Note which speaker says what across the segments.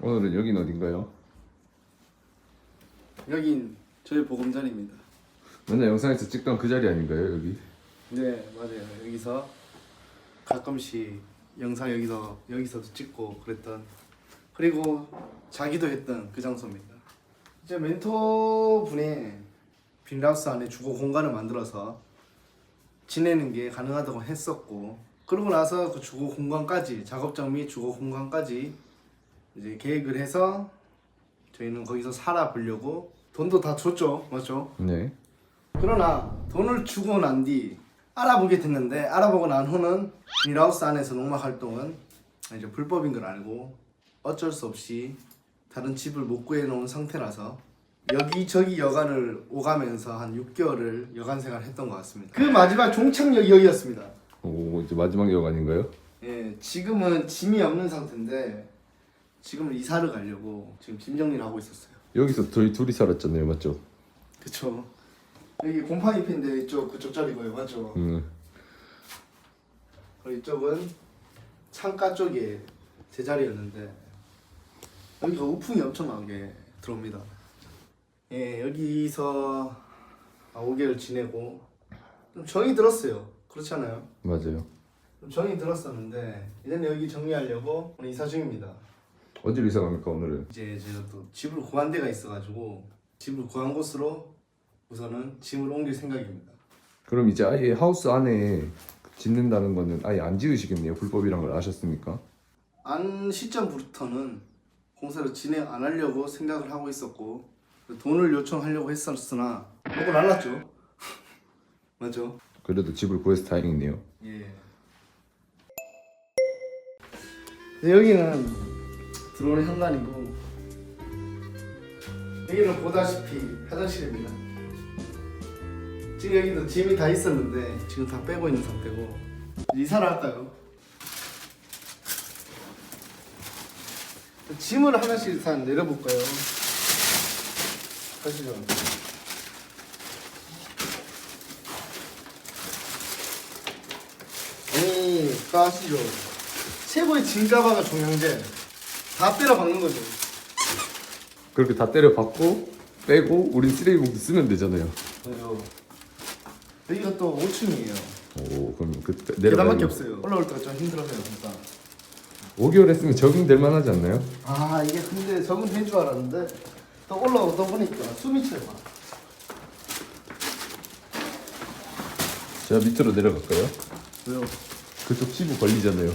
Speaker 1: 오늘은 여긴 어딘가요?
Speaker 2: 여긴 저희 보금자리입니다.
Speaker 1: 맨날 영상에서 찍던 그 자리 아닌가요, 여기?
Speaker 2: 네, 맞아요. 여기서 가끔씩 영상 여기서도 찍고 그랬던, 그리고 자기도 했던 그 장소입니다. 이제 멘토분이 빈라우스 안에 주거 공간을 만들어서 지내는 게 가능하다고 했었고, 그러고 나서 그 주거 공간까지, 작업장 및 주거 공간까지 이제 계획을 해서 저희는 거기서 살아보려고 돈도 다 줬죠, 맞죠?
Speaker 1: 네.
Speaker 2: 그러나 돈을 주고 난 뒤 알아보게 됐는데, 알아보고 난 후는 빈라우스 안에서 농막 활동은 이제 불법인 걸 알고 어쩔 수 없이 다른 집을 못 구해놓은 상태라서 여기저기 여간을 오가면서 한 6개월을 여간 생활을 했던 것 같습니다. 그 마지막 종착역이 여기였습니다.
Speaker 1: 오, 이제 마지막 역 아닌가요?
Speaker 2: 예, 지금은 짐이 없는 상태인데 지금은 이사를 가려고 지금 짐 정리를 하고 있었어요.
Speaker 1: 여기서 저희 둘이 살았잖아요, 맞죠?
Speaker 2: 그쵸. 여기 곰팡이 핀데 이쪽 그쪽 자리고요, 맞죠? 그리고 이쪽은 창가 쪽에 제 자리였는데 여기가 우풍이 엄청나게 들어옵니다. 예, 여기서 5개월 지내고 좀 정이 들었어요. 그렇지 않아요?
Speaker 1: 맞아요.
Speaker 2: 좀 정이 들었었는데 이제는 여기 정리하려고 오늘 이사 중입니다.
Speaker 1: 어디로 이사 갑니까, 오늘은?
Speaker 2: 이제 제가 또 집을 구한 데가 있어가지고 집을 구한 곳으로 우선은 짐을 옮길 생각입니다.
Speaker 1: 그럼 이제 아예 하우스 안에 짓는다는 거는 아예 안 지으시겠네요, 불법이란 걸 아셨습니까?
Speaker 2: 안 시점부터는 공사를 진행 안 하려고 생각을 하고 있었고 돈을 요청하려고 했었으나 먹고 날랐죠. 맞죠?
Speaker 1: 그래도 집을 구해서 다행이네요.
Speaker 2: 예. 네, 여기는 들어오는 현관이고 여기는 보다시피 화장실입니다. 지금 여기도 짐이 다 있었는데 지금 다 빼고 있는 상태고 이사를 할까요? 짐을 하나씩 일단 내려볼까요? 가시죠. 아니, 가시죠. 최고의 짐 가방을 종량제 다 때려 박는 거죠.
Speaker 1: 그렇게 다 때려 박고 빼고 우린 쓰레기 봉투 쓰면 되잖아요.
Speaker 2: 그죠. 여기가 또 5층이에요.
Speaker 1: 오, 그럼 그
Speaker 2: 계단밖에 없어요. 올라올 때가 좀 힘들어서요, 진짜.
Speaker 1: 5개월 했으면 적응될 만하지 않나요?
Speaker 2: 아, 이게 근데 적응된 줄 알았는데 또 올라오다 보니까 숨이 차요.
Speaker 1: 제가 밑으로 내려갈까요?
Speaker 2: 왜요?
Speaker 1: 그쪽 피부 걸리잖아요.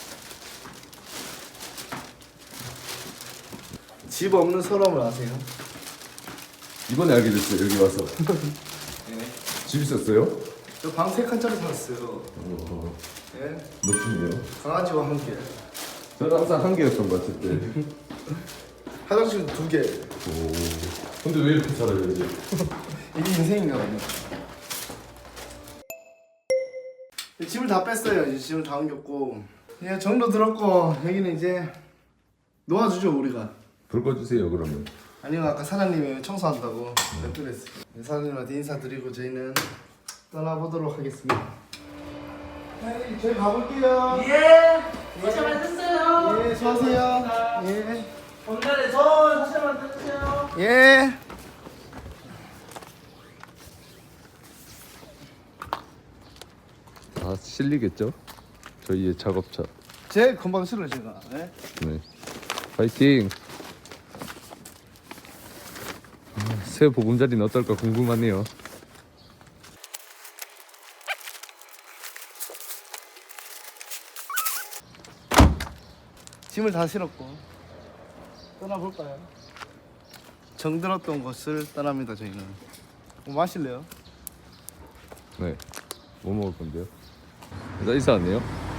Speaker 2: 집 없는 서러움을 아세요?
Speaker 1: 이번에 알게 됐어요, 여기 와서.
Speaker 2: 네.
Speaker 1: 집 있었어요?
Speaker 2: 저 방 3칸짜리 살았어요.
Speaker 1: 어,
Speaker 2: 네.
Speaker 1: 멋지네요.
Speaker 2: 강아지와 함께.
Speaker 1: 저는 항상 한 개였던 것 같은데.
Speaker 2: 화장실도 2개.
Speaker 1: 오. 근데 왜 이렇게 살아요, 이제?
Speaker 2: 이게 인생인가 봐요. 집을 다 뺐어요. 이제 집을 다 옮겼고 이제 정도 들었고 여기는 이제 놓아주죠, 우리가.
Speaker 1: 불 꺼주세요, 그러면.
Speaker 2: 아니요, 아까 사장님이 청소한다고 냅두랬어요. 사장님한테 인사드리고 저희는 떠나보도록 하겠습니다. 네, 저희 가볼게요.
Speaker 3: 예, 사실 만드세요.
Speaker 2: 예, 수고하세요. 예.
Speaker 3: 본관에서 사실 만드세요.
Speaker 2: 예.
Speaker 1: 다 실리겠죠? 저희의 작업차.
Speaker 2: 제 금방 실어요, 제가. 네.
Speaker 1: 네. 파이팅! 새 보금자리는 어떨까 궁금하네요.
Speaker 2: 짐을 다 실었고 떠나볼까요? 정들었던 곳을 떠납니다. 저희는. 뭐 마실래요?
Speaker 1: 네. 뭐 먹을 건데요? 나 이사 왔네요.